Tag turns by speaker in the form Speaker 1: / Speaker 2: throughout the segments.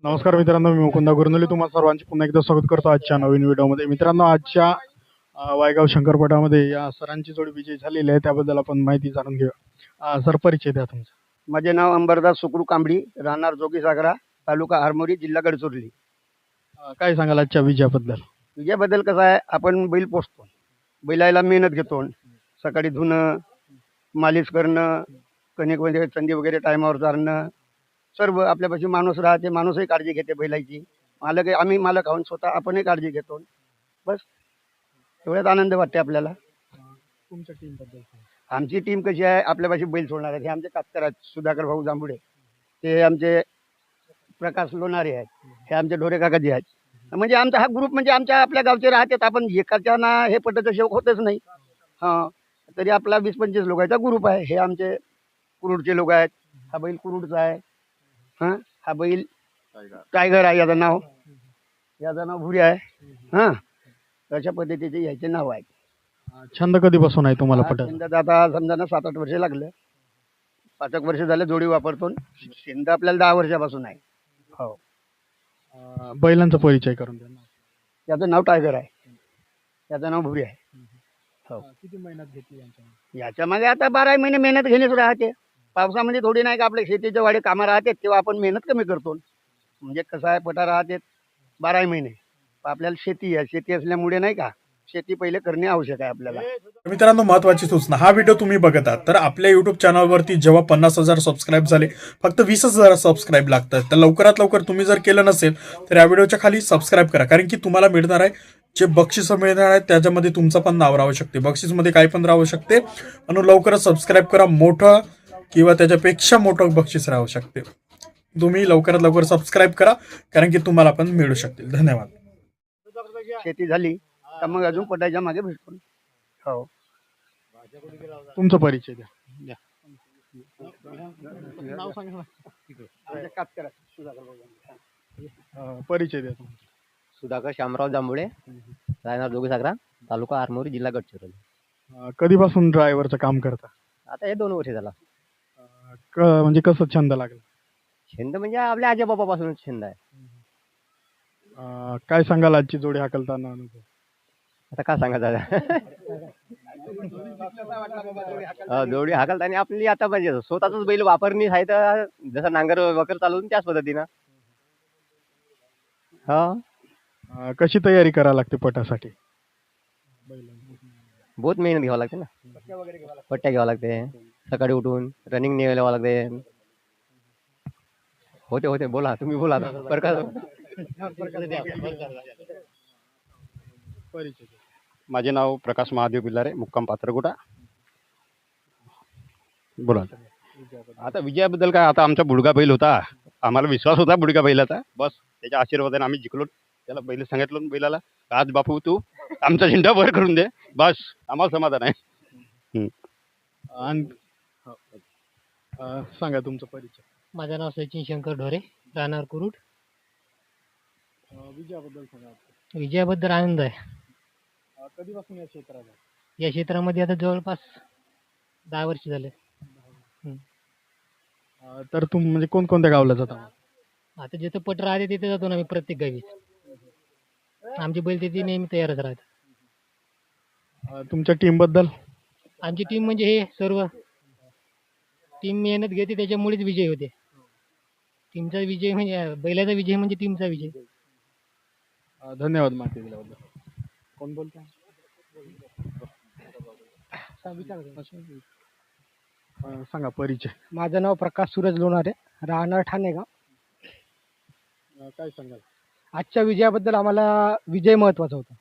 Speaker 1: नमस्कार मित्रांनो, मी मुकुंद गुरनुले तुम्हा सर्वांचे पुन्हा एकदा स्वागत करतो आजच्या नवीन व्हिडिओमध्ये. मित्रांनो, आजच्या वायगाव शंकरपटामध्ये या सरांची जोडी विजयी झालेली आहे, त्याबद्दल आपण माहिती जाणून घेऊया. सर, परिचय द्या तुमचा.
Speaker 2: माझे नाव अंबरदास सुकरू कांबडी, राहणार जोगीसागरा, तालुका आरमोरी, जिल्हा गडचिरोली.
Speaker 1: काय सांगाल आजच्या विजयाबद्दल?
Speaker 2: विजयाबद्दल कसं आहे, आपण बैल पोसतो, बैलाला मेहनत घेतो, सकाळी धुणं, मालिश करणं, कणिक वगैरे चंदी वगैरे टायमावर चारणं, सर्व आपल्यापाशी माणूस राहते, माणूसही काळजी घेते बैलाची. मालक आहे, आम्ही मालक आहोत स्वतः, आपणही काळजी घेतो. बस एवढ्यात आनंद वाटते आपल्याला.
Speaker 1: तुमच्या टीम बद्दल?
Speaker 2: आमची टीम कशी आहे, आपल्यापाशी बैल सोडणार आहेत. हे आमचे कातकर आहेत, सुधाकर भाऊ जांभुडे. ते आमचे प्रकाश लोणारे आहेत. हे आमचे ढोरे काकाजी आहेत. म्हणजे आमचा हा ग्रुप म्हणजे आमच्या आपल्या गावचे राहतात. आपण एकाच्या ना हे पटाचं शेवक होतच नाही. हां, तरी आपला 20-25 लोकांचा ग्रुप आहे. हे आमचे कुरुडचे लोक आहेत. हा बैल कुरुडचा आहे. हां, हा बैल टायगर आहे, याचं नाव भुरी आहे. हां, अशा पद्धतीचे याचे नाव आहे.
Speaker 1: छंद कधीपासून आहे तुम्हाला पटत?
Speaker 2: शेंदात आता समजा ना 7-8 वर्ष लागलं. 5 वर्ष झाले जोडी वापरतो. शेंद आपल्याला 10 वर्षापासून आहे. हो.
Speaker 1: बैलांचा परिचय करून द्या.
Speaker 2: त्याचं नाव टायगर आहे, त्याचं नाव भुरी आहे. हो.
Speaker 1: किती मेहनत घेतली यांच्यामध्ये?
Speaker 2: याच्यामध्ये आता 12 महिने मेहनत घेणेच राहते. पावसामध्ये थोडी नाही का, आपल्या शेतीचे वाडे कामं राहते, तेव्हा आपण मेहनत कमी करतो. म्हणजे कसं आहे, पटा राहते 12 महिने. आपल्याला शेती आहे, शेती असल्यामुळे नाही का, शेती पहिले करणे आवश्यक आहे आपल्याला.
Speaker 3: मित्रांनो, महत्वाची सूचना, हा व्हिडिओ तुम्ही बघत आहात तर आपल्या युट्यूब चॅनलवरती जेव्हा 50,000 सबस्क्राईब झाले, फक्त 20,000 सबस्क्राईब लागतात. तर लवकरात लवकर तुम्ही जर केलं नसेल तर या व्हिडिओच्या खाली सबस्क्राईब करा, कारण की तुम्हाला मिळणार आहे जे बक्षीस मिळणार आहे त्याच्यामध्ये तुमचं पण नाव राहू शकते. बक्षीसमध्ये काय पण राहू शकते. म्हणून लवकरच सबस्क्राईब करा. मोठं किंवा त्याच्यापेक्षा मोठं बक्षीस राहू शकते. तुम्ही लवकरात लवकर सबस्क्राईब करा, कारण की तुम्हाला पण मिळू शकतील. धन्यवाद.
Speaker 2: शेती झाली तर मग अजून पटायच्या मागे भेटतो. हो.
Speaker 1: तुमचा परिचय द्या. नाव सांगा ना.
Speaker 2: आमचे कातकर आहेत, सुधाकर भाऊ.
Speaker 1: परिचय द्या तुमचा.
Speaker 4: सुधाकर शामराव जांभुळे, राहणार जोगीसागरा, तालुका आरमोरी, जिल्हा गडचिरोली.
Speaker 1: कधीपासून ड्रायव्हरचं काम करता?
Speaker 4: आता हे 2 वर्ष झाला.
Speaker 1: म्हणजे कसं छंद लागला?
Speaker 4: छंद म्हणजे आपल्या आजोबापासूनच छंद आहे.
Speaker 1: काय सांगाल आजची जोडी हाकलताना अनुभव?
Speaker 4: आता काय सांगा दादा. जोडी हाकलताना आपली आता म्हणजे स्वतःच बैल वापरणी आहे, तर जसं नांगर वगैरे चालवून त्याच पद्धतीनं. हा,
Speaker 1: कशी तयारी करावी लागते पटासाठी?
Speaker 4: बहुत मेहनत घ्यावं लागते ना. पट्ट्या घ्यावं लागते, सकाळी उठून रनिंग न्यावं लागते. होते बोला, तुम्ही बोला आता. प्रकाश.
Speaker 5: माझे नाव प्रकाश महादेव बिल्लारे, मुक्काम पात्रगुटा. बोला. आता विजयाबद्दल काय, आता आमचा बुडगा बैल होता, आम्हाला विश्वास होता बुडगा बैलाचा. बस त्याच्या आशीर्वादाने आम्ही जिंकलो. त्याला बैल सांगितलं बैलाला, आज बापू तू आमचा झेंडा वर करून दे, बस आम्हाला समाधान आहे.
Speaker 1: सांगा तुमचा परिचय.
Speaker 6: माझं नाव सचिन शंकर ढोरे, राहणार कुरुड.
Speaker 1: विजयाबद्दल सांगा.
Speaker 6: विजयाबद्दल आनंद आहे.
Speaker 1: कधीपासून या क्षेत्रात?
Speaker 6: या क्षेत्रामध्ये आता जवळपास 10 वर्ष झाले.
Speaker 1: तर म्हणजे कोणकोणत्या गावला जाता?
Speaker 6: आता जिथं पट राहते तिथे जातो ना आम्ही, प्रत्येक गावी. आमची बैल तिथे नेहमी तयारच राहते.
Speaker 1: तुमच्या टीम बद्दल?
Speaker 6: आमची टीम म्हणजे हे सर्व टीम मेहनत घेते, त्याच्यामुळेच विजय होते. टीमचा विजय म्हणजे बैलाचा विजय म्हणजे टीमचा विजय.
Speaker 1: धन्यवाद माहिती दिल्याबद्दल. कोण बोलतोय? सांगा परिचय.
Speaker 7: माझं नाव प्रकाश सूरज लोणारे, राहणार ठाणेगाव.
Speaker 1: काय सांगाल?
Speaker 7: आजच्या विजयाबद्दल आम्हाला विजय महत्वाचा होता.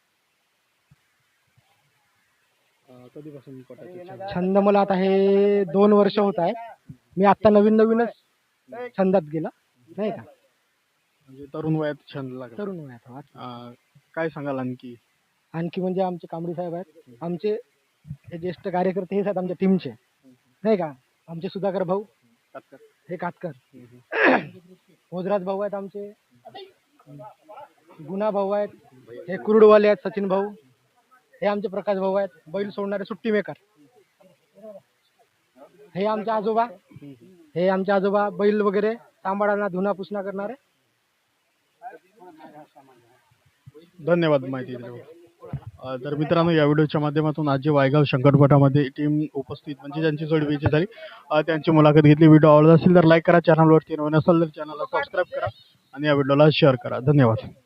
Speaker 1: कधीपासून
Speaker 7: छंद मला आता हे 2 वर्ष होत आहे. मी आता नवीनच छंदात गेला नाही का.
Speaker 1: म्हणजे तरुण वयात छंद लागला.
Speaker 7: तरुण वयात.
Speaker 1: काय सांगाल आणखी
Speaker 7: म्हणजे आमचे कांबडी साहेब आहेत, आमचे हे ज्येष्ठ कार्यकर्ते हेच आहेत आमच्या टीमचे नाही का. आमचे सुधाकर भाऊ, हे कातकर, भोजराज भाऊ आहेत, आमचे गुना भाऊ आहेत, हे कुरुडवाले आहेत, सचिन भाऊ, हे आमचे प्रकाश भाऊ आहेत, बैल सोडणारे सुट्टी मेकर. हे आमचे आजोबा बैल वगैरे सांभाळायला, धुना पुसणा करणारे
Speaker 1: धन्यवाद माहिती दिल्याबद्दल. तर मित्रांनो, या व्हिडिओच्या माध्यमातून आज जे वायगाव शंकरपटामध्ये टीम उपस्थित म्हणजे ज्यांची जोडी विजयी झाली त्यांची मुलाखत घेतली. व्हिडिओ आवडला असेल तर लाईक करा, चॅनलवरती नवीन असेल तर चॅनलला सबस्क्राईब करा आणि या व्हिडिओला शेअर करा. धन्यवाद.